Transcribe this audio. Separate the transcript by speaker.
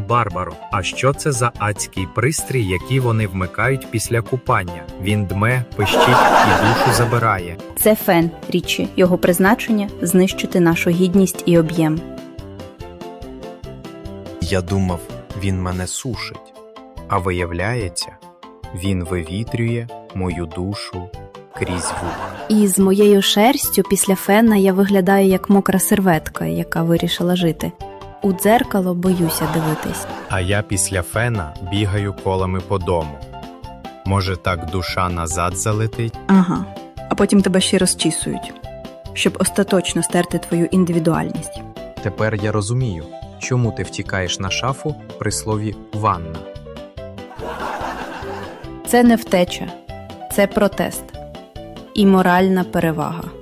Speaker 1: Барбаро, а що це за адський пристрій, який вони вмикають після купання? Він дме, пищить і душу забирає.
Speaker 2: Це фен, Річі. Його призначення – знищити нашу гідність і об'єм.
Speaker 1: Я думав, він мене сушить. А виявляється, він вивітрює мою душу крізь вуха.
Speaker 2: І з моєю шерстю після фена я виглядаю як мокра серветка, яка вирішила жити. У дзеркало боюся дивитись.
Speaker 1: А я після фена бігаю колами по дому. Може, так душа назад залетить?
Speaker 3: Ага. А потім тебе ще розчісують, щоб остаточно стерти твою індивідуальність.
Speaker 1: Тепер я розумію, чому ти втікаєш на шафу при слові «ванна».
Speaker 2: Це не втеча, це протест і моральна перевага.